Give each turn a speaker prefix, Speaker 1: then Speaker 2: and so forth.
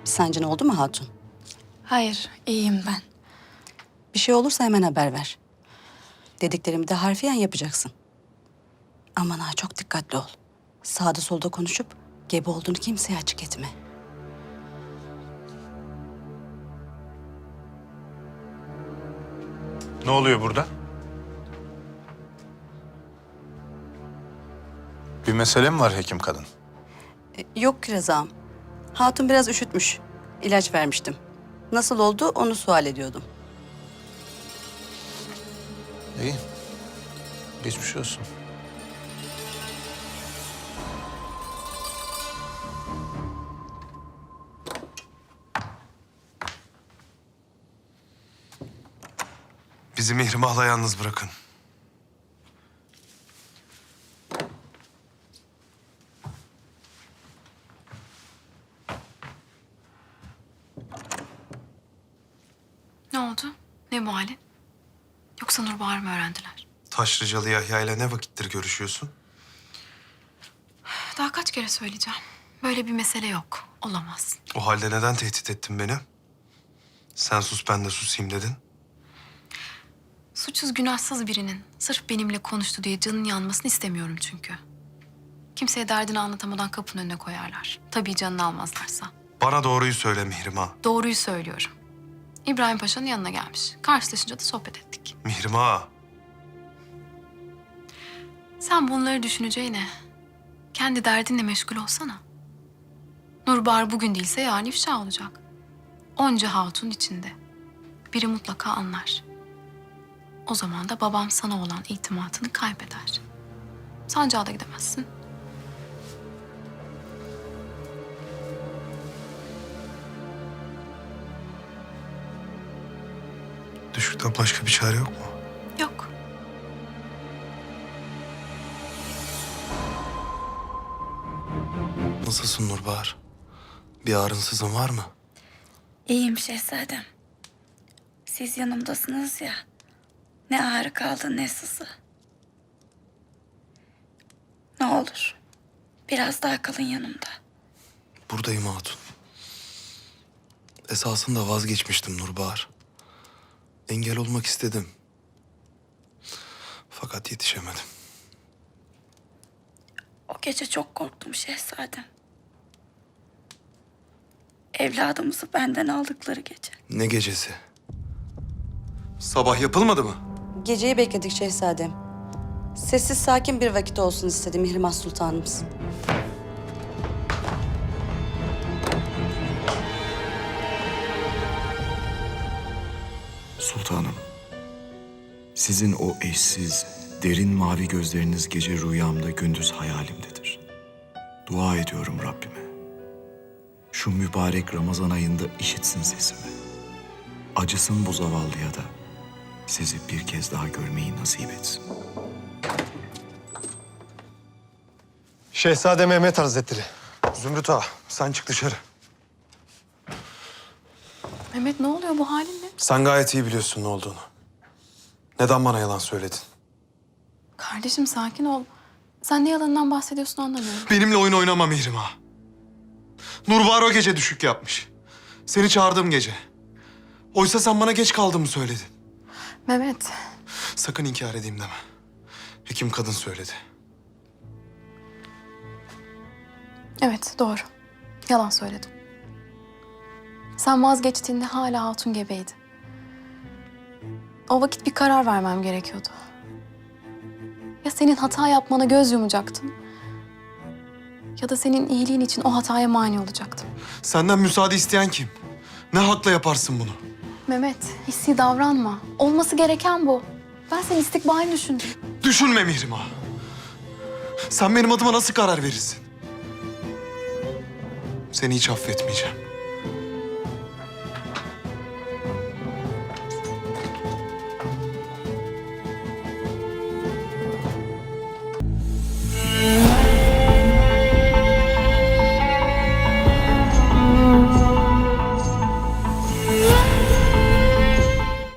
Speaker 1: Bir sancın oldu mu hatun?
Speaker 2: Hayır, iyiyim ben.
Speaker 1: Bir şey olursa hemen haber ver. Dediklerimi de harfiyen yapacaksın. Aman ha, çok dikkatli ol. Sağda solda konuşup gebe olduğunu kimseye açık etme.
Speaker 3: Ne oluyor burada? Bir mesele mi var hekim kadın?
Speaker 1: Yok ki Rıza'm. Hatun biraz üşütmüş. İlaç vermiştim. Nasıl oldu onu sual ediyordum.
Speaker 3: İyi. Geçmiş olsun.
Speaker 4: Bizi Mihrimah'la yalnız bırakın.
Speaker 2: Ne oldu? Ne bu halin? Yoksa Nurbahar mı öğrendiler?
Speaker 4: Taşlıcalı Yahya ile ne vakittir görüşüyorsun?
Speaker 2: Daha kaç kere söyleyeceğim. Böyle bir mesele yok. Olamaz.
Speaker 4: O halde neden tehdit ettin beni? Sen sus ben de susayım dedin.
Speaker 2: Suçsuz günahsız birinin sırf benimle konuştu diye canın yanmasını istemiyorum çünkü. Kimseye derdini anlatamadan kapının önüne koyarlar. Tabii canını almazlarsa.
Speaker 4: Bana doğruyu söyle Mihrimah.
Speaker 2: Doğruyu söylüyorum. İbrahim Paşa'nın yanına gelmiş. Karşılaşınca da sohbet ettik.
Speaker 4: Mihrimah.
Speaker 2: Sen bunları düşüneceğine kendi derdinle meşgul olsana. Nurbahar bugün değilse yarın ifşa olacak. Onca hatun içinde. Biri mutlaka anlar. O zaman da babam sana olan itimatını kaybeder. Sancağa da gidemezsin.
Speaker 4: Düşükten başka bir çare yok mu?
Speaker 2: Yok.
Speaker 4: Nasılsın Nurbahar? Bir ağrınsızın var mı?
Speaker 5: İyiyim şehzadem. Siz yanımdasınız ya. Ne ağrı kaldı ne sızı. Ne olur biraz daha kalın yanımda.
Speaker 4: Buradayım hatun. Esasında vazgeçmiştim Nurbahar. Engel olmak istedim. Fakat yetişemedim.
Speaker 5: O gece çok korktum şehzadem. Evladımızı benden aldıkları gece.
Speaker 4: Ne gecesi? Sabah yapılmadı mı?
Speaker 1: Geceyi bekledik şehzadem. Sessiz sakin bir vakit olsun istedi Mihrimah Sultanımız.
Speaker 6: Sultanım, sizin o eşsiz, derin mavi gözleriniz gece rüyamda gündüz hayalimdedir. Dua ediyorum Rabbime. Şu mübarek Ramazan ayında işitsin sesimi. Acısın bu zavallıya da sizi bir kez daha görmeyi nasip etsin.
Speaker 7: Şehzade Mehmet Hazretleri.
Speaker 4: Zümrüt Ağa, sen çık dışarı.
Speaker 2: Mehmet ne oluyor bu halin ne?
Speaker 4: Sen gayet iyi biliyorsun ne olduğunu. Neden bana yalan söyledin?
Speaker 2: Kardeşim sakin ol. Sen ne yalanından bahsediyorsun anlamıyorum.
Speaker 4: Benimle oyun oynama Mihrimah. Nurbahar o gece düşük yapmış. Seni çağırdığım gece. Oysa sen bana geç kaldığımı söyledin.
Speaker 2: Mehmet,
Speaker 4: Sakın inkar edeyim deme. Hekim kadın söyledi.
Speaker 2: evet doğru. Yalan söyledim. Sen vazgeçtiğinde hala hatun gebeydi. O vakit bir karar vermem gerekiyordu. Ya senin hata yapmana göz yumacaktım. Ya da senin iyiliğin için o hataya mani olacaktım.
Speaker 4: Senden müsaade isteyen kim? Ne hakla yaparsın bunu?
Speaker 2: Mehmet, hissi davranma. Olması gereken bu. Ben senin istikbalini düşündüm.
Speaker 4: Düşünme Mihrimah. Sen benim adıma nasıl karar verirsin? Seni hiç affetmeyeceğim.